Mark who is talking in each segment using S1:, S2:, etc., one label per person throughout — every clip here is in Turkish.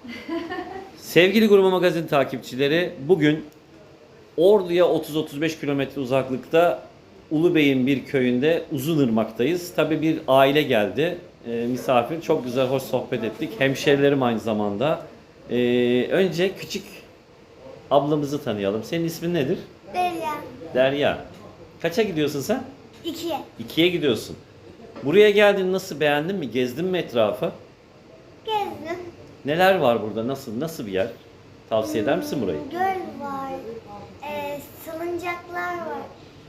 S1: Sevgili Gurme Magazin takipçileri, bugün Ordu'ya 30-35 kilometre uzaklıkta Ulubey'in bir köyünde Uzunırmak'tayız. Tabii bir aile geldi, misafir. Çok güzel, hoş sohbet ettik. Hemşerilerim aynı zamanda. Önce küçük ablamızı tanıyalım. Senin ismin nedir?
S2: Derya.
S1: Derya. Kaça gidiyorsun sen?
S2: 2.
S1: 2'ye gidiyorsun. Buraya geldin, nasıl, beğendin mi? Gezdin mi etrafı?
S2: Gezdim.
S1: Neler var burada? Nasıl bir yer? Tavsiye eder misin burayı?
S2: Göl var. Salıncaklar var.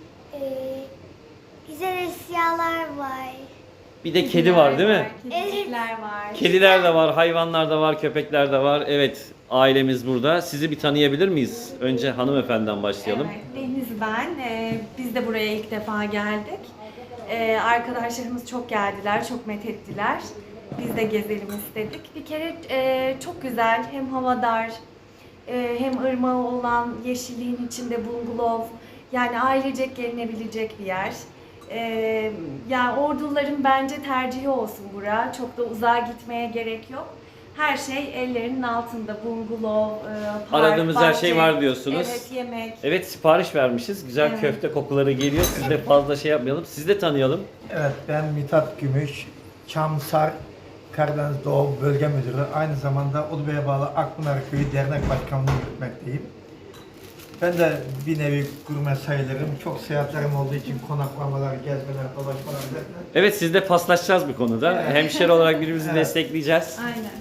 S2: Güzel eşyalar var.
S1: Bir de kedi var değil mi?
S3: Kedicikler var.
S1: Kediler de var, hayvanlar da var, köpekler de var. Evet, ailemiz burada. Sizi bir tanıyabilir miyiz? Önce hanımefendiden başlayalım.
S3: Evet, Deniz ben. Biz de buraya ilk defa geldik. Arkadaşlarımız çok geldiler, çok methettiler. Biz de gezelim istedik. Bir kere çok güzel, hem havadar, hem ırmağı olan yeşilliğin içinde bungalov. Yani ailecek gelinebilecek bir yer. Yani Orduların bence tercihi olsun bura. Çok da uzağa gitmeye gerek yok. Her şey ellerinin altında. Bungalov, park,
S1: Aradığımız her
S3: bahçe.
S1: şey var diyorsunuz.
S3: Evet, yemek.
S1: Evet, sipariş vermişiz. Güzel
S3: Evet.
S1: köfte kokuları geliyor. Siz de fazla şey yapmayalım. Sizi de tanıyalım.
S4: Evet, ben Mithat Gümüş, Çamsar Karadeniz Doğu Bölge Müdürü. Aynı zamanda Ulubey'e bağlı Akpınar Köyü Dernek Başkanlığı yürütmekteyim. Ben de bir nevi gurme sayılırım. Çok seyahatlerim olduğu için konaklamalar, gezmeler, dolaşmalar derken.
S1: Evet, sizle paslaşacağız bu konuda.
S4: Evet.
S1: Hemşire olarak birbirimizi
S4: Evet.
S1: destekleyeceğiz.
S3: Aynen.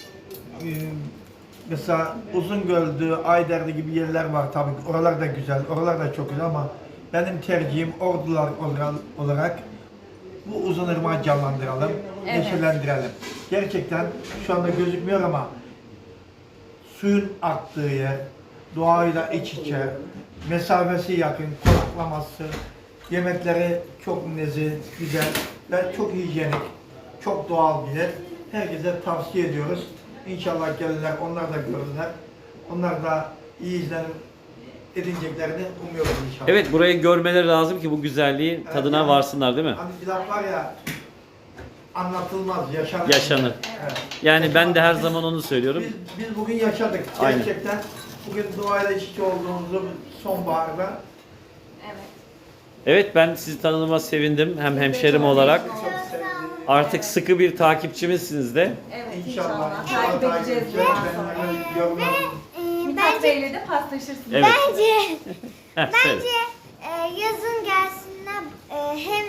S4: Mesela Uzungöl'dü, Ayder'de gibi yerler var tabii. Oralar da güzel, oralar da çok güzel ama benim tercihim Ordular olarak bu Uzunırmak'ı canlandıralım,
S3: Evet.
S4: neşelendirelim. Gerçekten şu anda gözükmüyor ama suyun aktığı yer, doğayla iç içe, mesafesi yakın, konaklaması, yemekleri çok nezih, güzel ve çok hijyenik, çok doğal bir yer. Herkese tavsiye ediyoruz. İnşallah gelirler, onlar da görürler. Onlar da iyi izlenim edineceklerini umuyoruz inşallah.
S1: Evet, burayı görmeleri lazım ki bu güzelliğin
S4: Evet,
S1: tadına
S4: yani
S1: varsınlar değil mi?
S4: Hani bir laf var ya, anlatılmaz, yaşanır.
S1: Yaşanır.
S4: Evet.
S1: Yani ben de her zaman onu söylüyorum.
S4: Biz bugün yaşadık.
S1: Aynen.
S4: Gerçekten bugün doğayla iç içe olduğumuzu sonbaharda.
S3: Evet.
S1: Evet, ben sizi tanıdığıma sevindim. Hem hemşerim olarak.
S4: Çok sevdim.
S1: Artık sıkı bir takipçimizsiniz de.
S3: Evet,
S4: İnşallah.
S3: inşallah. Takip edeceğiz bundan sonra.
S4: Ben yorumlarım.
S3: Mithat
S2: Bence
S3: Bey'le de paslaşırsınız.
S1: Evet.
S2: bence
S1: Heh, söyle.
S2: yazın gelsinler, hem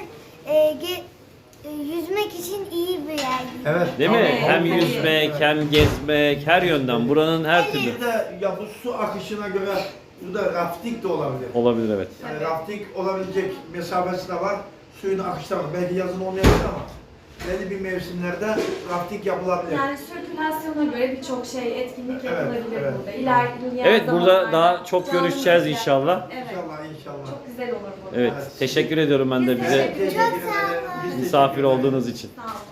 S2: yüzmek için iyi bir yer.
S4: Evet.
S1: Değil mi?
S3: Evet,
S1: Hem
S3: evet.
S1: yüzmek, hem gezmek, her yönden. Buranın her türlü.
S4: Bir de ya bu su akışına göre burada rafting de olabilir.
S1: Olabilir, evet.
S4: Yani rafting olabilecek mesafesi de var. Suyun akışı da var. Belki yazın olmayabilir ama belli bir mevsimlerde rafting yapılabilir.
S3: Yani sirkülasyona göre birçok şey, etkinlik
S4: Evet,
S3: yapılabilir
S4: evet.
S3: burada. İlerleyen
S1: Evet, burada
S3: zamanlarda
S1: daha çok
S3: canlı
S1: görüşeceğiz
S3: müzik.
S1: inşallah.
S3: Evet.
S4: İnşallah inşallah.
S3: Çok güzel olur bu.
S1: Evet, teşekkür ediyorum ben de
S3: Biz
S1: bize
S3: teşekkür ederiz.
S4: Teşekkür ederim. Biz
S1: misafir
S4: teşekkür ederiz.
S1: olduğunuz için.
S3: Sağ olun.